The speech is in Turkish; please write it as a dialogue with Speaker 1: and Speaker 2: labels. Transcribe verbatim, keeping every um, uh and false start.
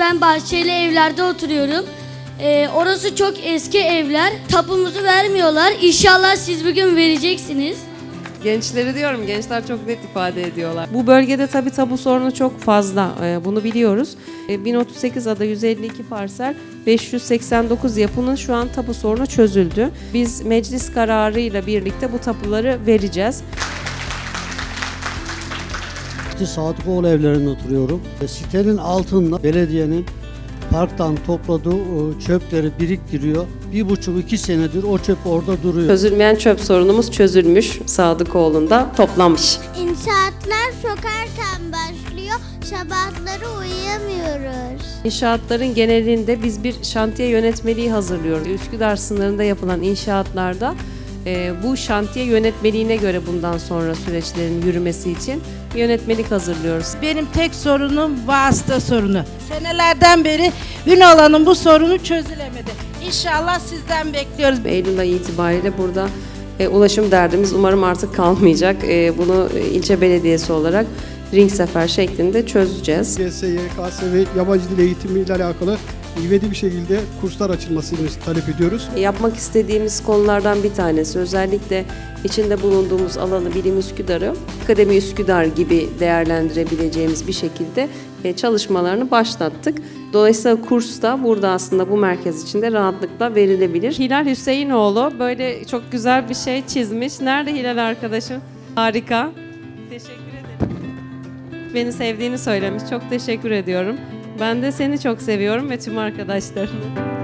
Speaker 1: ben bahçeli evlerde oturuyorum. Ee, orası çok eski evler. Tapumuzu vermiyorlar. İnşallah siz bugün vereceksiniz.
Speaker 2: Gençleri diyorum, gençler çok net ifade ediyorlar. Bu bölgede tabii tapu sorunu çok fazla, ee, bunu biliyoruz. Ee, bin otuz sekiz ada yüz elli iki parsel, beş yüz seksen dokuz yapının şu an tapu sorunu çözüldü. Biz meclis kararıyla birlikte bu tapuları vereceğiz.
Speaker 3: İşte Sadıkoğlu evlerinde oturuyorum. Sitenin altında belediyenin parktan topladığı çöpleri biriktiriyor. Bir buçuk iki senedir o çöp orada duruyor.
Speaker 2: Çözülmeyen çöp sorunumuz çözülmüş, Sadıkoğlu'nda toplanmış.
Speaker 4: İnşaatlar çok erken başlıyor. Sabahları uyuyamıyoruz.
Speaker 2: İnşaatların genelinde biz bir şantiye yönetmeliği hazırlıyoruz. Üsküdar sınırında yapılan inşaatlarda e, bu şantiye yönetmeliğine göre bundan sonra süreçlerin yürümesi için yönetmelik hazırlıyoruz.
Speaker 5: Benim tek sorunum vasıta sorunu. Senelerden beri Ünalan'ın bu sorunu çözülemedi. İnşallah sizden bekliyoruz.
Speaker 2: Eylül ayı itibariyle burada e, ulaşım derdimiz umarım artık kalmayacak. E, bunu e, ilçe belediyesi olarak ring sefer şeklinde çözeceğiz.
Speaker 6: Y S, Y K S ve yabancı dil eğitimi ile alakalı ivedi bir şekilde kurslar açılmasını talep ediyoruz.
Speaker 2: Yapmak istediğimiz konulardan bir tanesi özellikle içinde bulunduğumuz alanı Bilim Üsküdar'ı Akademi Üsküdar gibi değerlendirebileceğimiz bir şekilde çalışmalarını başlattık. Dolayısıyla kurs da burada aslında bu merkez içinde rahatlıkla verilebilir. Hilal Hüseyinoğlu böyle çok güzel bir şey çizmiş. Nerede Hilal arkadaşım? Harika. Teşekkür ederim. Beni sevdiğini söylemiş. Çok teşekkür ediyorum. Ben de seni çok seviyorum ve tüm arkadaşlarını.